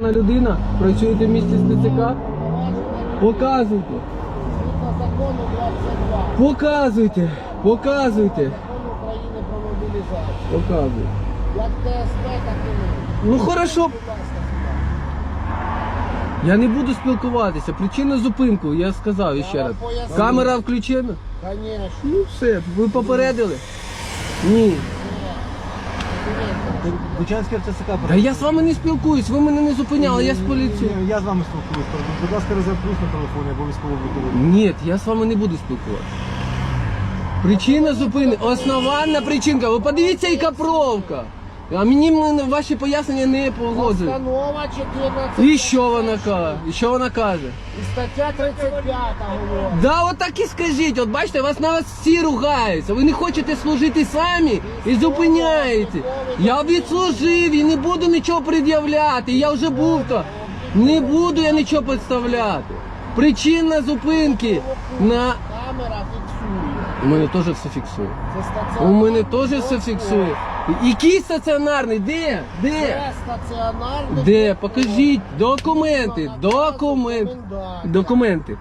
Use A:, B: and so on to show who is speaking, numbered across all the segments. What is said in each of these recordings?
A: адекватна людина? Працюєте в місті з ТЦК? Показуйте.
B: Згідно закону 22.
A: Показуйте. Показуйте.
B: Закон України про мобілізацію.
A: Показуйте.
B: Як ТСП, так і ми.
A: Ну хорошо.
B: Будь ласка, сюди.
A: Я не буду спілкуватися. Причина зупинку, я сказав ще раз.
B: поясню.
A: Камера включена?
B: Конечно.
A: Ну все, ви попередили? Ні.
C: Бучанське РТЦК.
A: Та я з вами не спілкуюсь, ви мене не зупиняли, я з поліцією.
C: Я з вами спілкуюсь. Будь ласка, резерв плюс на телефоні або військово-обліковий.
A: Ні, я з вами не буду спілкуватися. Причина зупини, основна причинка. Ви подивіться, яка пробка. А мені ваші пояснення не погоджують.
B: Постанова 14.
A: І що вона каже? І що вона каже?
B: І стаття 35 говорить.
A: Да, от так і скажіть. От бачите, вас на вас всі ругаються. Ви не хочете служити самі і зупиняєте. Я відслужив і не буду нічого пред'являти. Я вже був то. Не буду я нічого представляти. Причина зупинки на...
B: Камера фіксує.
A: У мене теж все фіксує.
B: Це
A: У
B: стаціонарний.
A: мене теж все фіксує. Який стаціонарний? Де? Де?
B: Це стаціонарний.
A: Де? Покажіть. Документи. Документи. Документи.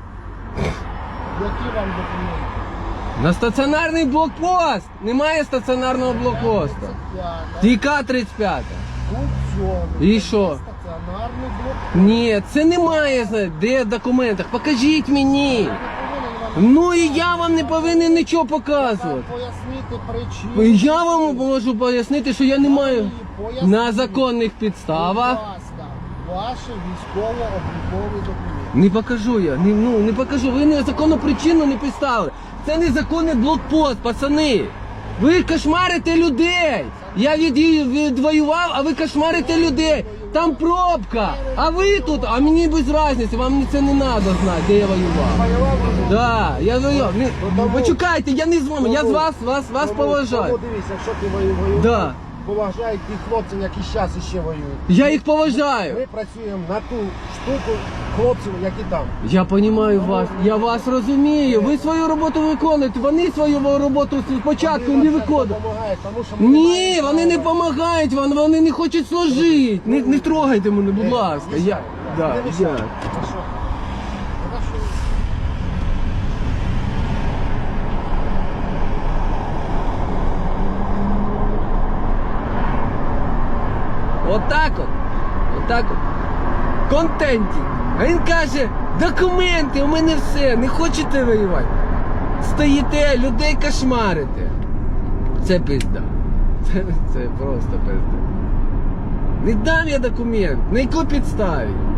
B: Які вам документи?
A: На стаціонарний блокпост. Немає стаціонарного блокпосту.
B: 35.
A: Тіка 35.
B: У цьому.
A: І що?
B: Стаціонарний блок.
A: Ні, це немає. Де в документах? Покажіть мені. Ну і я вам не повинен нічого показувати.
B: Пояснити причину.
A: Я вам можу пояснити, що я не маю на законних підставах.
B: Будь ласка, ваші військово-облікові документи.
A: Не покажу я, не покажу. Ви не законну причину не підставили. Це незаконний блокпост, пацани. Ви кошмарите людей. Я відвоював, а ви кошмарите людей. Там пробка. А ви тут, а мені без різниці, вам це не треба знати, де я воював. Да, я воював. Почекайте, я не з вами, я з вас поважаю.
B: Тому дивіться, якщо ти воював,
A: Да.
B: поважай тих хлопців, які зараз ще воюють.
A: Я їх поважаю.
B: Ми працюємо на ту штуку хлопців, які там.
A: Я розумію вас, я вас розумію. Ви свою роботу виконуєте, вони свою роботу спочатку не виконують.
B: Допомагають, тому що ми
A: Ні,
B: маємо
A: вони не
B: право.
A: допомагають, вони не хочуть служити. Не трогайте мене, будь ласка. Я, да,
B: Не
A: я.
B: мішай. Хорошо. Хорошо.
A: Отак от. Отак от. Контенті. А він каже, документи, у мене все, не хочете воювати. Стоїте, людей кошмарите. Це пизда. Це просто пизда. Не дам я документ. На якій підставі?